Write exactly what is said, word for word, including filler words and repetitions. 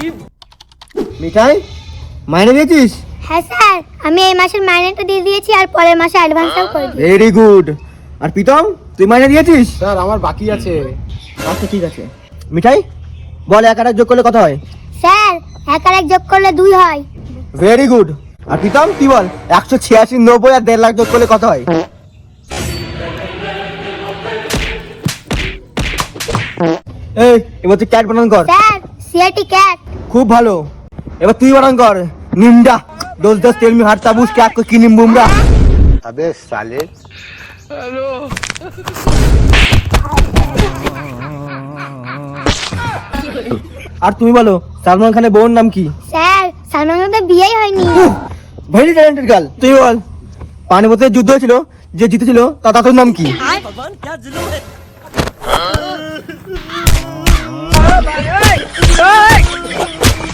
মিঠাই মাইনে দিয়েছিস? হ্যাঁ স্যার, আমি এই মাসের মাইনেটা দিয়ে দিয়েছি আর পরের মাসে অ্যাডভান্সটাও করে দিয়েছি। Very good. আর প্রীতম তুই মাইনে দিয়েছিস? স্যার আমার বাকি আছে। আচ্ছা ঠিক আছে। মিঠাই বল এক আর এক যোগ করলে কত হয়? স্যার, এক আর এক যোগ করলে দুই হয়। Very good. আর প্রীতম তুই বল একশো ছিয়াশি নব্বই আর দেড় লাখ যোগ করলে কত হয়? এই এবার তুই ক্যাট বানান কর। Sir, C R T cat. খুব ভালো। এবার তুই বানান কর। নিমডা দোষ দোষ তেল মি হার তাবুস ক্যাট কো কি নিম বুমরা। আবে সালে। আর তুমি বলো সালমান খানের বউর নাম কি? স্যার, সালমান খানের বিয়েই হয়নি। Very talented girl. তুই বল পানিপথের যুদ্ধ হয়েছিল যে জিতেছিল তার তার নাম কি? भगवान क्या जुल्म है